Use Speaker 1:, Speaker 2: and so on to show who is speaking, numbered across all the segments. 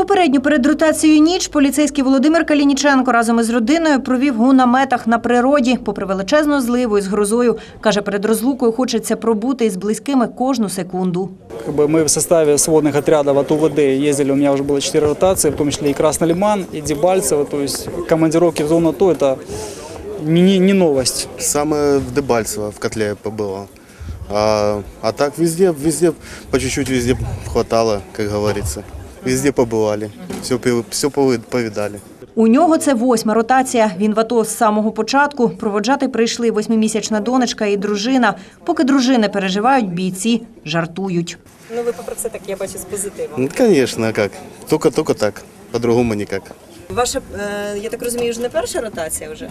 Speaker 1: Попередньо перед ротацією ніч поліцейський Володимир Калініченко разом із родиною провів у наметах на природі. Попри величезну зливу із грозою, каже, перед розлукою хочеться пробути із близькими кожну секунду.
Speaker 2: Мы в составе сводных отрядов от УВД ездили, у меня уже было 4 ротации, в том числе и Красный Лиман, и Дебальцево. То есть командировки в зону АТО – это не новость.
Speaker 3: Самое в Дебальцево, в котле побывал. А так везде по чуть-чуть везде хватало, как говорится. Везде побывали, все повидали.
Speaker 1: У нього це 8-ма ротація. Він в АТО з самого початку. Проводжати прийшли 8-місячна донечка і дружина. Поки дружини переживають, бійці жартують.
Speaker 4: Ну ви попри це так, я бачу, з позитивом.
Speaker 3: Ну, конечно, как. Только так, по-другому никак.
Speaker 4: Ваша, я так розумію, вже не перша ротація вже?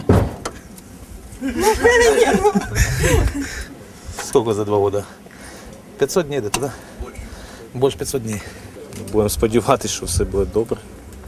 Speaker 5: Сколько за 2 года? 500 дней где-то, да? Больше 500 дней. Будемо сподіватися, що все буде добре.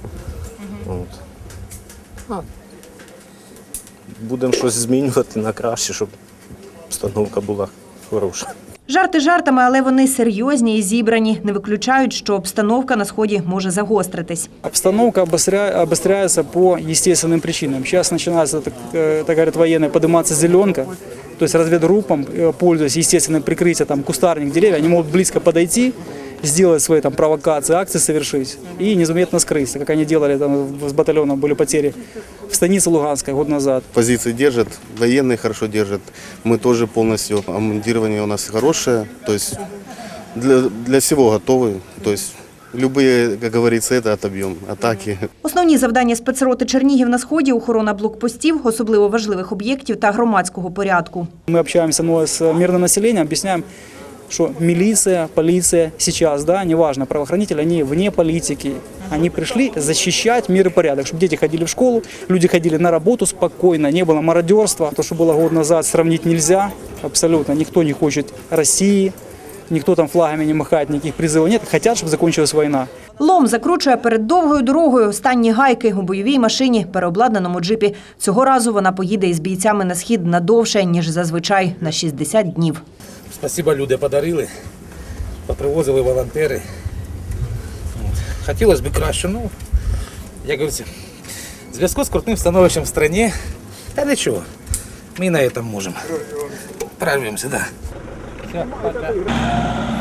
Speaker 5: Будемо щось змінювати на краще, щоб обстановка була хороша.
Speaker 1: Жарти жартами, але вони серйозні і зібрані. Не виключають, що обстановка на Сході може загостритись.
Speaker 2: Обстановка обостряется по естественным причинам. Сейчас начинается, так говорят военные, подниматься зеленка. То есть разведгруппам, пользуясь естественным прикрытием, там, кустарник, деревья, они могут близко подойти, сделать свои там провокации, акции совершить и незаметно скрыться, как они делали там, с батальоном, были потери в станице Луганской год назад.
Speaker 3: Позиции держат, военные хорошо держат. Мы тоже полностью, обмундирование у нас хорошее, то есть для всего готовы. То есть любые, как говорится, это отобьем, атаки.
Speaker 1: Основні завдання спецроти Чернігів на Сході – охорона блокпостів, особливо важливих об'єктів та громадського порядку.
Speaker 2: Мы общаемся с мирным населением, объясняем, что милиция, полиция сейчас, да, неважно, правоохранители, они вне политики. Они пришли защищать мир и порядок, чтобы дети ходили в школу, люди ходили на работу спокойно, не было мародерства. То, что было год назад, сравнить нельзя абсолютно. Никто не хочет России, никто там флагами не махает, никаких призывов нет. Хотят, чтобы закончилась война.
Speaker 1: Лом закручує перед довгою дорогою останні гайки у бойовій машині, переобладнаному джипі. Цього разу вона поїде із бійцями на Схід надовше, ніж зазвичай, на 60 днів.
Speaker 5: Спасибо, люди подарили, попривозили волонтери. Хотілося б краще, ну, як говориться, в зв'язку з крутим становищем в країні, та нічого, ми на цьому можемо. Прорвемося, да. Все, пока.